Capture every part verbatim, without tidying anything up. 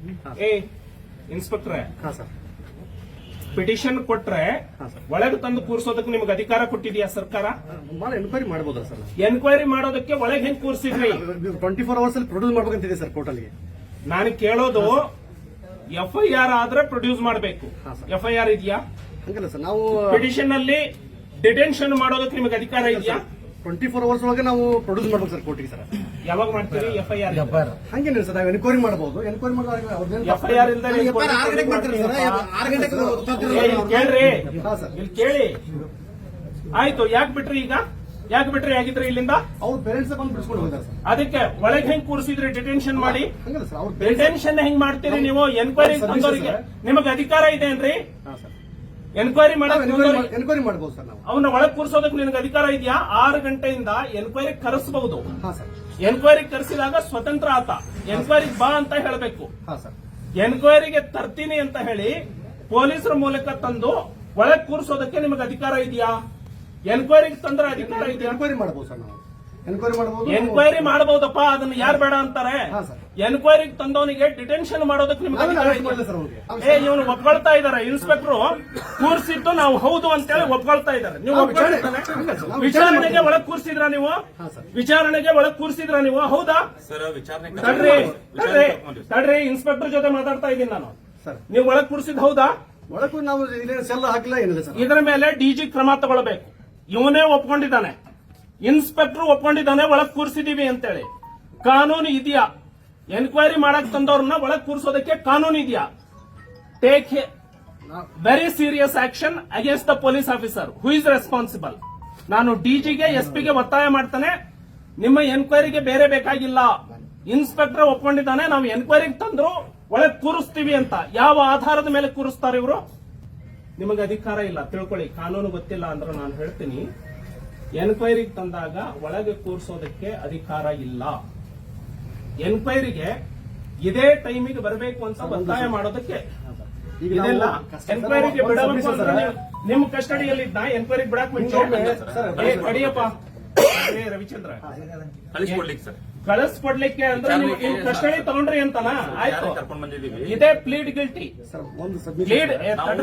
ಏ ಇನ್ಸ್ಪೆಕ್ಟ್ರೆ, ಹಾ sir. Petition ಕೊಟ್ರೆ ಹಾ ಸರ್. ಒಳಗೆ ತಂದು ಕೂರಿಸೋದಕ್ಕೆ ನಿಮ್ಗೆ ಅಧಿಕಾರ ಕೊಟ್ಟಿದ್ಯಾ ಸರ್ಕಾರ? ಭಾಳ ಎನ್ಕ್ವೈರಿ ಮಾಡಬಹುದಾ ಸರ್? ಎನ್ಕ್ವೈರಿ ಮಾಡೋದಕ್ಕೆ ಒಳಗೆ ಹೆಂಗ್ ಕೂರಿಸಿದ್ರಿ? ಟ್ವೆಂಟಿ ಫೋರ್ ಅವರ್ಸ್ ಅಲ್ಲಿ ಪ್ರೊಡ್ಯೂಸ್ ಮಾಡ್ಬೇಕಂತಿದೆ ಸರ್ ಕೋರ್ಟಲ್ಲಿ. ನಾನು ಕೇಳೋದು ಎಫ್ ಐ ಆರ್ ಆದ್ರೆ ಪ್ರೊಡ್ಯೂಸ್ ಮಾಡಬೇಕು. ಹಾ ಸರ್. ಎಫ್ ಐ ಆರ್ ಇದೆಯಾ? ಹಂಗಲ್ಲ ಸರ್, ನಾವು ಪಿಟಿಷನ್ ಅಲ್ಲಿ ಡಿಟೆನ್ಷನ್ ಮಾಡೋದಕ್ಕೆ ನಿಮಗೆ ಅಧಿಕಾರ ಇದೆಯಾ? ಟ್ವೆಂಟಿ ಫೋರ್ ಅವರ್ಸ್ ಒಳಗೆ ನಾವು ಪ್ರೊಡ್ಯೂಸ್ ಮಾಡ್ಬೇಕು ಸರ್ ಕೋರ್ಟಿಗೆ ಸರ್. ಯಾವಾಗ ಮಾಡ್ತೀರಿ ಎಫ್ ಐ ಆರ್? ಹಂಗೇನಿಲ್ಲ ಸರ್, ನಾವು ಎನ್ಕ್ವೈರಿ ಮಾಡಬಹುದು. ಎನ್ಕ್ವೈರಿ ಮಾಡಿದಾಗ ಎಫ್ ಐ ಆರ್ ಇಲ್ದೇ ಕೇಳ್ರಿ, ಹಾ ಸರ್. ಇಲ್ಲಿ ಕೇಳಿ. ಆಯ್ತು, ಯಾಕೆ ಬಿಟ್ರಿ ಈಗ? ಯಾಕೆ ಬಿಟ್ರಿ ಆಗಿದ್ರಿ ಇಲ್ಲಿಂದ? ಅವ್ರ ಪೇರೆಂಟ್ಸ್ ಬಂದು ಬಿಡಿಸ್ಕೊಂಡು ಹೋಗಿದ್ದಾರೆ ಸರ್. ಅದಕ್ಕೆ ಒಳಗೆ ಹೆಂಗ್ ಕೂರಿಸಿದ್ರಿ ಡಿಟೆನ್ಷನ್ ಮಾಡಿ? ಹಂಗಲ್ಲ ಸರ್, ಅವ್ರ ಡಿಟೆನ್ಷನ್ ಹೆಂಗ್ ಮಾಡ್ತೀರಿ ನೀವು? ಎನ್ಕ್ವೈರಿ ತಂದವರಿಗೆ ನಿಮಗೆ ಅಧಿಕಾರ ಇದೆ ಏನ್ರಿ? ಹಾ ಸರ್. ಎನ್ಕ್ವೈರಿ ಮಾಡಕ್ ಎನ್ಕ್ವೈರಿ ಮಾಡಬಹುದು ಸರ್ ನಾವು. ಅವನ್ನ ಒಳಗ್ ಕೂರಿಸೋದಕ್ಕೆ ನಿನಗೆ ಅಧಿಕಾರ ಇದೆಯಾ? ಆರು ಗಂಟೆಯಿಂದ ಎನ್ಕ್ವೈರಿ ಕರೆಸಬಹುದು. ಹಾ ಸರ್. ಎನ್ಕ್ವೈರಿ ಕರೆಸಿದಾಗ ಸ್ವತಂತ್ರ ಆತ ಎನ್ಕ್ವೈರಿ ಬಾ ಅಂತ ಹೇಳಬೇಕು. ಹಾ ಸರ್. ಎನ್ಕ್ವೈರಿಗೆ ತರ್ತೀನಿ ಅಂತ ಹೇಳಿ ಪೊಲೀಸರ ಮೂಲಕ ತಂದು ಒಳಗ್ ಕೂರಿಸೋದಕ್ಕೆ ನಿಮಗೆ ಅಧಿಕಾರ ಇದೆಯಾ? ಎನ್ಕ್ವೈರಿಗೆ ತಂದ್ರೆ ಅಧಿಕಾರ ಇದೆಯಾ? ಎನ್ಕ್ವೈರಿ ಮಾಡಬಹುದು ಸರ್ ನಾವು. ಎನ್ಕ್ವೈರಿ ಮಾಡಬಹುದು. ಎನ್ಕ್ವೈರಿ ಮಾಡಬಹುದಪ್ಪ, ಅದನ್ನ ಯಾರು ಬೇಡ ಅಂತಾರೆ? ಹಾ ಸರ್. ಎನ್ಕ್ವೈರಿಗೆ ತಂದವನಿಗೆ ಡಿಟೆನ್ಷನ್ ಮಾಡೋದಕ್ಕೆ ನಿಮ್ಗೆ ಅಧಿಕಾರ ಇದೆಯಾ? ಏ, ಇವನು ಒಪ್ಕೊಳ್ತಾ ಇದಾರೆ. ಇನ್ಸ್ಪೆಕ್ಟರ್ ಕೂರಿಸಿದ್ದು ನಾವು ಹೌದು ಅಂತೇಳಿ ಒಪ್ಕೊಳ್ತಾ ಇದ್ದಾರೆ. ನೀವು ಒಪ್ಕೊಳ್ತಾನೆ? ವಿಚಾರಣೆಗೆ ಒಳಗ್ ಕೂರಿಸಿದ್ರ ನೀವು? ವಿಚಾರಣೆಗೆ ಒಳಗ್ ಕೂರಿಸಿದ್ರ ನೀವು? ಹೌದಾ? ತಡ್ರಿ ತಡ್ರಿ ತಡ್ರಿ ಇನ್ಸ್ಪೆಕ್ಟರ್ ಜೊತೆ ಮಾತಾಡ್ತಾ ಇದ್ದೀನಿ ನಾನು. ನೀವು ಒಳಗ್ ಕೂರಿಸಿದ್ ಹೌದಾ? ಒಳಗೂ ನಾವು ಸೆಲ್ ಹಾಕಿಲ್ಲ ಏನಿಲ್ಲ ಸರ್. ಇದರ ಮೇಲೆ ಡಿಜಿ ಕ್ರಮ ತಗೊಳ್ಬೇಕು. ಇವನೇ ಒಪ್ಕೊಂಡಿದ್ದಾನೆ, ಇನ್ಸ್ಪೆಕ್ಟರ್ ಒಪ್ಕೊಂಡಿದ್ದಾನೆ ಒಳಗ್ ಕೂರಿಸಿದೀವಿ ಅಂತೇಳಿ. ಕಾನೂನು ಇದೆಯಾ? ಎನ್ಕ್ವೈರಿ ಮಾಡಕ್ ತಂದವ್ರನ್ನ ಒಳಗ್ ಕೂರಿಸೋದಕ್ಕೆ ಕಾನೂನು ಇದೆಯಾ? Take very serious action against the police officer who is responsible. ನಾನು ಡಿಜಿಗೆ ಎಸ್ ಪಿಗೆ ಒತ್ತಾಯ ಮಾಡ್ತಾನೆ, ನಿಮ್ಮ ಎನ್ಕ್ವೈರಿಗೆ ಬೇರೆ ಬೇಕಾಗಿಲ್ಲ. ಇನ್ಸ್ಪೆಕ್ಟರ್ ಒಪ್ಕೊಂಡಿದ್ದಾನೆ, ನಾವು ಎನ್ಕ್ವೈರಿಗೆ ತಂದ್ರು ಒಳಗ್ ಕೂರಿಸ್ತೀವಿ ಅಂತ. ಯಾವ ಆಧಾರದ ಮೇಲೆ ಕೂರಿಸ್ತಾರೆ ಇವರು? ನಿಮಗೆ ಅಧಿಕಾರ ಇಲ್ಲ, ತಿಳ್ಕೊಳ್ಳಿ. ಕಾನೂನು ಗೊತ್ತಿಲ್ಲ ಅಂದ್ರೆ ನಾನು ಹೇಳ್ತೀನಿ, ಎನ್ಕ್ವೈರಿಗೆ ತಂದಾಗ ಒಳಗೆ ಕೂರಿಸೋದಕ್ಕೆ ಅಧಿಕಾರ ಇಲ್ಲ. ಎನ್ಕ್ವೈರಿಗೆ ಇದೇ ಟೈಮಿಗೆ ಬರಬೇಕು ಅಂತ ಒತ್ತಾಯ ಮಾಡೋದಕ್ಕೆ ಇದೆಲ್ಲ. ಎನ್ಕ್ವೈರಿಗೆ ಬಿಡಬೇಕು ಅಂದ್ರೆ ನಿಮ್ ಕಸ್ಟಡಿಯಲ್ಲಿದ್ದ ಎನ್ಕ್ವೈರಿಗೆ ಬಿಡಕ್ ಮುಂಚೆ ಕಡಿಯಪ್ಪ ರವಿಚಂದ್ರ ಕಳಿಸ್ಕೊಡ್ಲಿಕ್ಕೆ ಅಂದ್ರೆ ನೀವು ಕಸ್ಟಡಿ ತಗೊಂಡ್ರಿ ಅಂತನ? ಆಯ್ತು, ಇದೇ ಪ್ಲೀಡ್ ಗಿಲ್ಟಿ. ಪ್ಲೀಡ್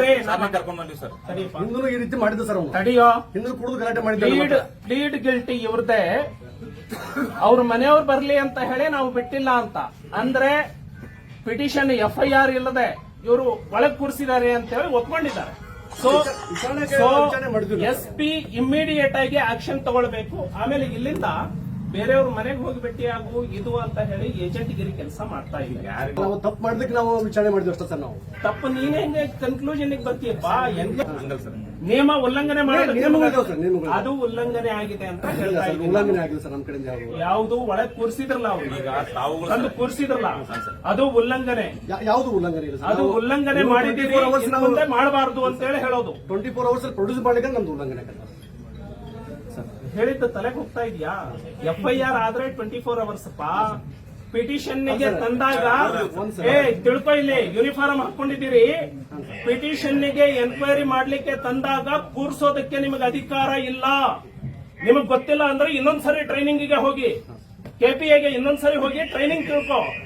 ಈ ರೀತಿ ಮಾಡಿದ್ದು ಸರ್. ತಡಿಯೋ, ಹಿಂದೂ ಕುಡಿದು ಗಲಾಟೆ ಮಾಡಿದ್ದ. ಪ್ಲೀಡ್ ಪ್ಲೀಡ್ ಗಿಲ್ಟಿ ಇವ್ರದೇ. ಅವ್ರ ಮನೆಯವ್ರು ಬರ್ಲಿ ಅಂತ ಹೇಳಿ ನಾವು ಬಿಟ್ಟಿಲ್ಲ ಅಂತ ಅಂದ್ರೆ ಪಿಟಿಷನ್ ಎಫ್ ಐ ಆರ್ ಇಲ್ಲದೆ ಇವರು ಒಳಗ್ ಕೂರಿಸಿದ್ದಾರೆ ಅಂತ ಹೇಳಿ ಒಪ್ಕೊಂಡಿದ್ದಾರೆ. ಸೊ ಎಸ್ ಪಿ ಇಮ್ಮಿಡಿಯೇಟ್ ಆಗಿ ಆಕ್ಷನ್ ತಗೊಳ್ಬೇಕು. ಆಮೇಲೆ ಇಲ್ಲಿಂದ ಬೇರೆಯವ್ರ ಮನೆಗೆ ಹೋಗಿ ಭೇಟಿಯಾಗು ಇದು ಅಂತ ಹೇಳಿ ಏಜೆಂಟ್ ಗಿರಿ ಕೆಲಸ ಮಾಡ್ತಾ ಇದ್ದೀವಿ. ನಾವು ತಪ್ಪು ಮಾಡಿದಕ್ಕೆ ನಾವು ವಿಚಾರಣೆ ಮಾಡಿದ್ವಿ ಅಷ್ಟೇ ಸರ್. ನಾವು ತಪ್ಪು ನೀನೇ ಹೆಂಗೆ ಕನ್ಕ್ಲೂಷನ್ ಬರ್ತೀಯಪ್ಪ? ನಿಯಮ ಉಲ್ಲಂಘನೆ ಮಾಡೋದು ಅದು ಉಲ್ಲಂಘನೆ ಆಗಿದೆ ಅಂತ ಹೇಳ್ತಾ ಇದ್ದೀವಿ. ಉಲ್ಲಂಘನೆ ಆಗಿಲ್ಲ ಸರ್ ನಮ್ಮ ಕಡೆಯಿಂದ. ಯಾವುದು ಒಳಗೆ ಕೂರಿಸಿದ್ರಲ್ಲ ಅವ್ರು ತಂದು ಕೂರಿಸಿದ್ರಲ್ಲ, ಅದು ಉಲ್ಲಂಘನೆ. ಯಾವುದು ಉಲ್ಲಂಘನೆ ಇಲ್ಲ ಸರ್. ಅದು ಉಲ್ಲಂಘನೆ ಮಾಡಿದ್ದೀವಿ, ಮುಂದೆ ಮಾಡಬಾರದು ಅಂತ ಹೇಳಿ ಹೇಳೋದು. ಟ್ವೆಂಟಿ ಫೋರ್ ಅವರ್ಸ್ ಪ್ರೊಡ್ಯೂಸ್ ಮಾಡಿದ್ರೆ ನಮ್ದು ಉಲ್ಲಂಘನೆ ಹೇಳಿದ್ದ ತಲೆಗೆ ಹೋಗ್ತಾ ಇದೆಯಾ? ಎಫ್ ಐ ಆರ್ ಆದ್ರೆ ಟ್ವೆಂಟಿ ಫೋರ್ ಅವರ್ಸ್ ಪಾ. ಪಿಟಿಷನ್ ಗೆ ತಂದಾಗ ಏ ತಿಳ್ಕೊ, ಇಲ್ಲಿ ಯೂನಿಫಾರ್ಮ್ ಹಾಕೊಂಡಿದ್ದೀರಿ. ಪಿಟಿಷನ್ ಗೆ ಎನ್ಕ್ವೈರಿ ಮಾಡ್ಲಿಕ್ಕೆ ತಂದಾಗ ಕೂರ್ಸೋದಕ್ಕೆ ನಿಮಗೆ ಅಧಿಕಾರ ಇಲ್ಲ. ನಿಮಗ್ ಗೊತ್ತಿಲ್ಲ ಅಂದ್ರೆ ಇನ್ನೊಂದ್ಸರಿ ಟ್ರೈನಿಂಗ್ ಗೆ ಹೋಗಿ, ಕೆಪಿಎಗೆ ಇನ್ನೊಂದ್ಸರಿ ಹೋಗಿ ಟ್ರೈನಿಂಗ್ ತಿಳ್ಕೊ.